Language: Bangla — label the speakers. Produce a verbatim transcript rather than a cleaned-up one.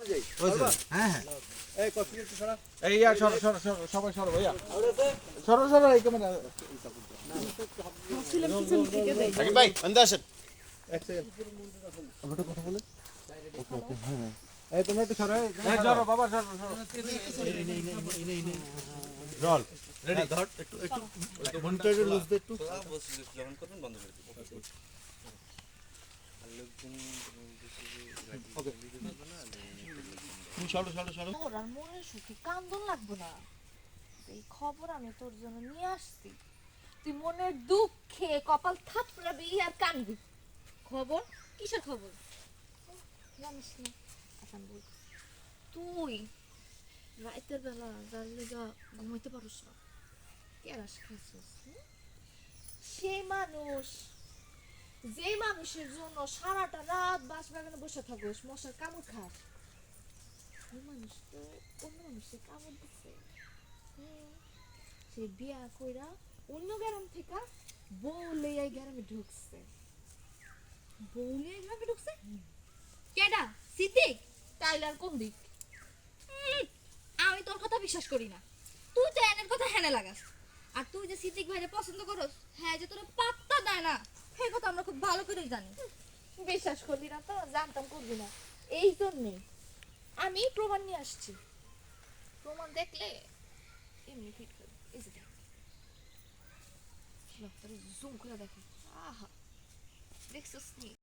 Speaker 1: যাই
Speaker 2: হ্যাঁ হ্যাঁ
Speaker 1: এই কষ্ট একটু সরা
Speaker 2: এই আর সরো সরো সরো সবাই সরো ভাইয়া সরো সরো এই ক্যামেরা
Speaker 1: সাকিব ভাই আন্দা আসেন এক সেকেন্ড
Speaker 2: আমরা কথা বলে ওকে ওকে হ্যাঁ এই তোমরা একটু সরো এই সরো বাবা সরো সরো জল রেডি ধর একটু একটু মনিটরে লুজ দে একটু
Speaker 1: যখন করবেন বন্ধ করে দিন ওকে তুমি সরো সরো সরো
Speaker 3: মোর আর মনের সুখে কান্দন লাগবে না এই খবর আমি তোর জন্য নিয়ে আসছি তুই মনের দুঃখে কপাল থাপড়াবি আর কানবি খবর কিসের খবর জানিস না আসাম বল তুই রাতের বেলা যার লেগা ঘুমাইতে পারিস না কেরাস খাইছিস সে মানুষ যে মানুষের জন্য সারাটা রাত বাস বাগানে বসে থাকিস মশার কামড় খাস ওই মানুষ তো অন্য মানুষের কামড় দিচ্ছে সে বিয়া কইরা অন্য গ্রাম থেকে বউ লইয়া গ্রামে ঢুকছে বউ লইয়া গ্রামে ঢুকছে
Speaker 4: কেডা সিদ্দিক
Speaker 3: তাইলে আর কোন দিক
Speaker 4: আমি তোর কথা বিশ্বাস করি না তুই তো এনের কথা হেনে লাগাস আর তুই যে সিদ্দিক ভাইরে পছন্দ করস হ্যাঁ যে তোর পাত্তা দেয় না সেই কথা আমরা খুব ভালো করেই জানি
Speaker 3: বিশ্বাস করবি না তো জানতাম করবি না এই জন্যে আমি প্রমাণ নিয়ে আসছি প্রমাণ দেখলে এমনি ফিট করবে এই যে দেখ জুম করে দেখো আহা দেখছিস নি